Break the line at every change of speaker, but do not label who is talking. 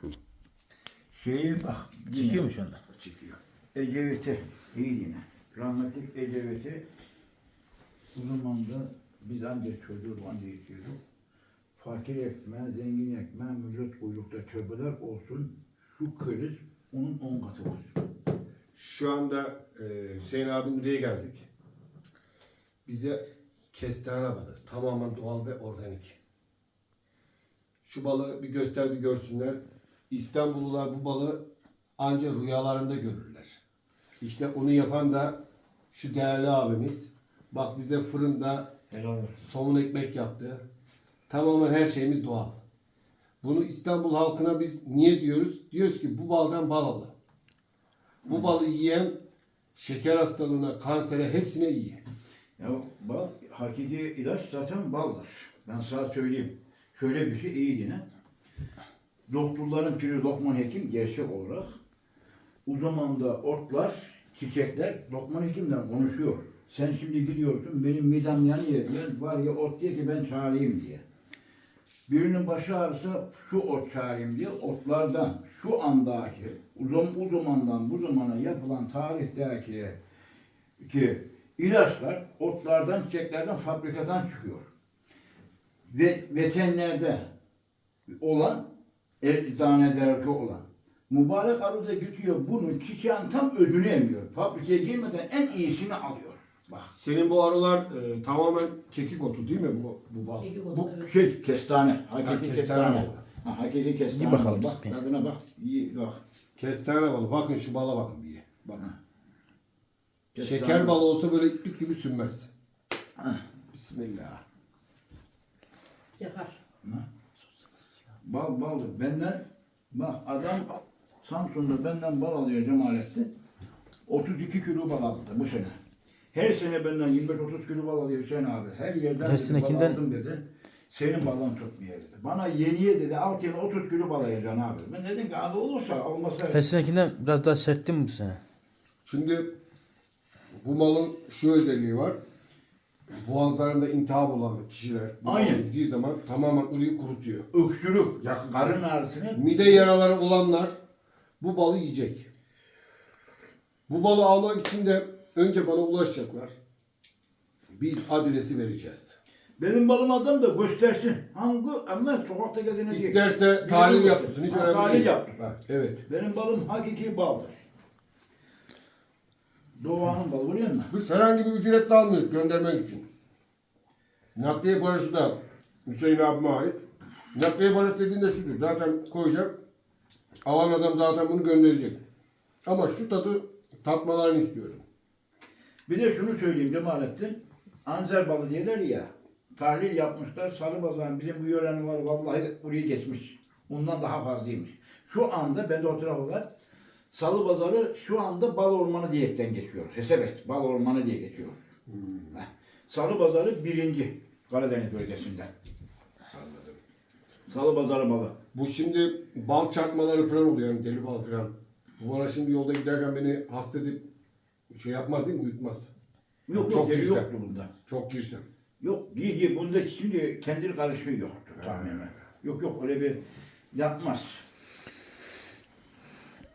Şeyi bak.
Çekiyor mu şu anda?
Çekiyor. Ecevit'i iyi yine. Rahmetli Ecevit'i o zaman da biz ancak çocuğu anca yetiyorduk. Fakir ekmeğe, zengin ekmeğe, millet kuyrukta tövbeler olsun. Şu kriz onun 10 katı var.
Şu anda Hüseyin abim buraya geldik. Bize kestane balı. Tamamen doğal ve organik. Şu balığı bir göster bir görsünler. İstanbullular bu balığı ancak rüyalarında görürler. İşte onu yapan da şu değerli abimiz. Bak bize fırında somun ekmek yaptı. Tamamen her şeyimiz doğal. Bunu İstanbul halkına biz niye diyoruz? Diyoruz ki bu baldan bal alın. Bu balı yiyen şeker hastalığına, kansere hepsine iyi.
Ya bal, hakiki ilaç zaten baldır. Ben sana söyleyeyim. Şöyle bir şey iyi yine. Doktorların piri Lokman Hekim gerçek olarak o zaman da otlar, çiçekler Lokman Hekim'den konuşuyor. Sen şimdi gidiyorsun benim midem yanıyor diyen var ya ot diye ki ben çağırayım diye. Birinin başı ağrısa şu ot çağırayım diye otlardan şu andaki o zamandan bu zamana yapılan tarihteki ilaçlar otlardan, çiçeklerden, fabrikadan çıkıyor. Ve veterинerde olan, eczanelerde olan mübarek arı da gidiyor bunun çiçeğin tam ödünü emiyor. Fabrikaya girmeden en iyisini alıyor. Bak.
Senin bu arılar tamamen kekik otu değil mi bu bal?
Kekik otu,
Bu
evet.
şey kestane. Hakiki
kestane
kestane.
balı.
Ha, hakiki kestane.
İyi bakalım.
Bak tadına bak. İyi bak.
Kestane balı. Bakın şu bala bakın bir. Bakın.
Kestane.
Şeker balı olsa böyle iplik gibi sünmez.
Hah.
Bismillah.
Yakar.
Baldır. Benden bak adam Samsun'da benden bal alıyor Cemalettin. 32 kilo bal aldı bu sene. Her sene benden 25-30 kilo bal alıyor Hüseyin abi. Her yerden
Her
dedi,
senekinden-
bal aldım dedi. Senin balın tutmuyor dedi. Bana yeniye dedi alt yerine 30 kilo bal alacaksın abi. Ben dedim ki abi olursa olmasa.
Her senekinden biraz daha sert değil mi bu sene?
Şimdi bu malın şu özelliği var. Boğazlarında iltihap olan kişiler bu
Aynen.
balı yediği zaman tamamen orayı kurutuyor.
Öksürük,
Yakın.
karın ağrısını
Mide yaraları olanlar bu balı yiyecek. Bu balı almak için de önce bana ulaşacaklar. Biz adresi vereceğiz.
benim balım adam da göstersin. Hangi ama sokakta gezene değil.
İsterse
Bir
tahlil
yolu
yaptırsın. Hiç
göster.
önemli
Tahlil
değil.
yaptır.
Ha, evet.
Benim balım hakiki baldır. Doğanın balı biliyor musun?
Biz herhangi bir ücret de almıyoruz göndermek için. Nakliye parası da Hüseyin abime ait. Nakliye parası dediğinde şudur. Zaten koyacak. Alan adam zaten bunu gönderecek. Ama şu tadı tatmalarını istiyorum.
Bir de şunu söyleyeyim Cemalettin. Anzer balı diyorlar ya. Tahlil yapmışlar. Sarıbazan bizim bu yörenin var vallahi burayı geçmiş. Ondan daha fazlaymış. Şu anda bende o tarafı var. Salıpazarı şu anda bal ormanı diyetten geçiyor. Hesebet bal ormanı diye geçiyor. Heh. Salıpazarı birinci Karadeniz bölgesinden.
Anladım.
Salıpazarı balı.
Bu şimdi bal çarpmaları falan oluyor yani deli bal falan. Bu bana şimdi yolda giderken beni hasta edip şey yapmaz değil mi? Uyutmaz.
Yok
Çok
yok
girsem.
yoktu bunda.
Çok girsem.
Yok değil bunda şimdi kendi karışığı yoktu tamamen. Yok öyle bir yapmaz.